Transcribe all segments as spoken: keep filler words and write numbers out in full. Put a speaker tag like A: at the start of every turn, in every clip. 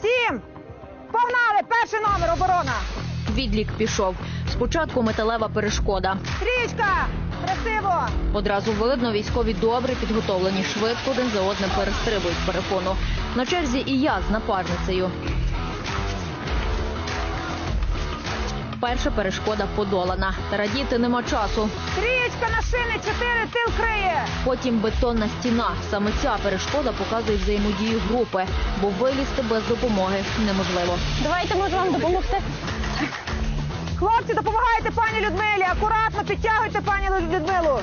A: Сім. Погнали. Перший номер. Оборона.
B: Відлік пішов. Спочатку металева перешкода.
A: Стрічка. Красиво.
B: Одразу видно, військові добре підготовлені, швидко один за одним перестрибують перепону. На черзі і я з напарницею. Перша перешкода подолана. Та радіти нема часу.
A: Стрічка на шини. Чотири. Тил криє.
B: Потім бетонна стіна. Саме ця перешкода показує взаємодію групи, бо вилізти без допомоги неможливо.
C: Давайте, можу вам допомогти.
A: Хлопці, допомагайте пані Людмилі. Акуратно підтягуйте пані Людмилу.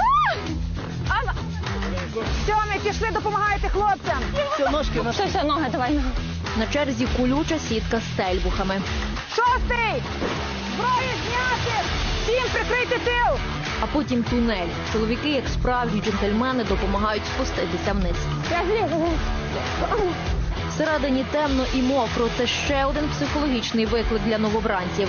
A: Сьомі, пішли, допомагайте хлопцям.
C: Все, все, ноги, давай ноги.
B: На черзі колюча сітка з стельбухами.
A: Шостий. Зброю зняти. Сім, прикрийте тил.
B: А потім тунель. Чоловіки, як справжні джентльмени, допомагають спуститися вниз.
C: Я злізу.
B: Всередині темно і мокро. Це ще один психологічний виклик для новобранців.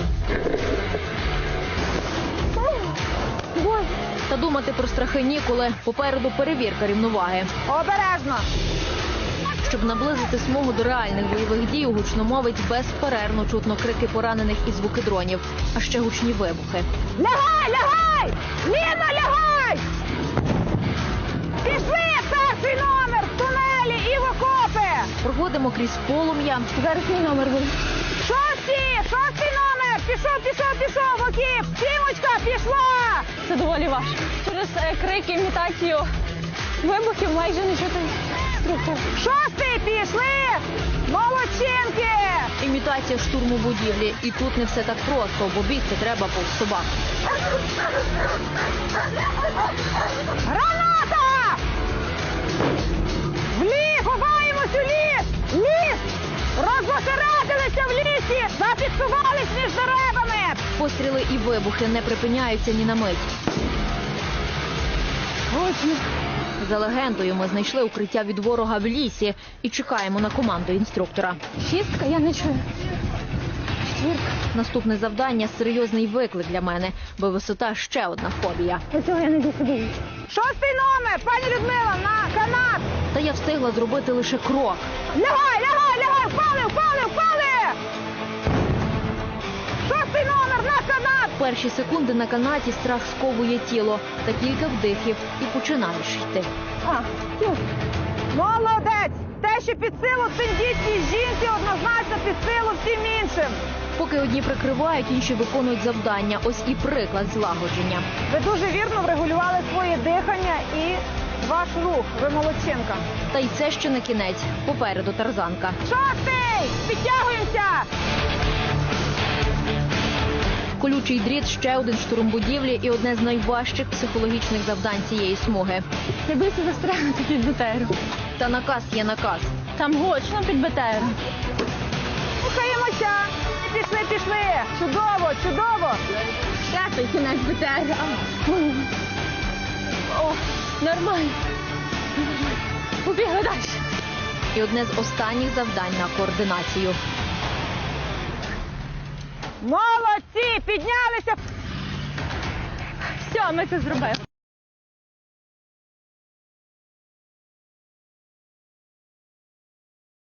B: Та думати про страхи ніколи. Попереду перевірка рівноваги.
A: Обережно.
B: Щоб наблизити смугу до реальних бойових дій, у гучномовець безперервно чутно крики поранених і звуки дронів, а ще гучні вибухи.
A: Лягай, лягай! Ліна, лягай! Пішли, перший номер, в тунелі і в окопи!
B: Проходимо крізь полум'я.
C: Зараз мій номер буде.
A: Шості, шостий номер! Пішов, пішов, пішов, в окіп! Сімочка, пішла!
C: Це доволі важко. Через е, крики, імітацію вибухів майже не чути інструктора.
A: Шостий, пішли! Молодчинки!
B: Імітація штурму будівлі. І тут не все так просто, бо бігти треба повз собак.
A: Граната! В ліс! Ховаємось у ліс! Ліс! Розбосередилися в лісі! Зафіксувались між деревами!
B: Постріли і вибухи не припиняються ні на мить.
A: Гучно!
B: За легендою, ми знайшли укриття від ворога в лісі і чекаємо на команду інструктора.
C: Шістка, я не чую. Четвірка.
B: Наступне завдання – серйозний виклик для мене, бо висота – ще одна фобія.
C: Оцього я не досидію.
A: Шостий номер! Пані Людмила, на канат!
B: Та я встигла зробити лише крок.
A: Лягай, лягай, лягай! Впали, впали, впали! Шостий номер, на канат!
B: Перші секунди на канаті страх сковує тіло. Та кілька вдихів і починаєш йти.
C: А, ну.
A: Молодець! Те, що під силу тендітній жінці, однозначно під силу всім іншим.
B: Поки одні прикривають, інші виконують завдання. Ось і приклад злагодження.
A: Ви дуже вірно врегулювали своє дихання і ваш рух. Ви молодчинка.
B: Та й це ще не кінець. Попереду тарзанка.
A: Шостий! Підтягуємося!
B: Колючий дріт – ще один штурм будівлі і одне з найважчих психологічних завдань цієї смуги.
C: Не бийся застрягнути під БТРом.
B: Та наказ є наказ.
C: Там гучно під БТРом.
A: Рухаємося! Пішли, пішли! Чудово, чудово!
C: П'ятий кінець БТР. О, нормально. Побігли далі.
B: І одне з останніх завдань на координацію.
A: Молодці! Піднялися!
C: Все, ми це зробили.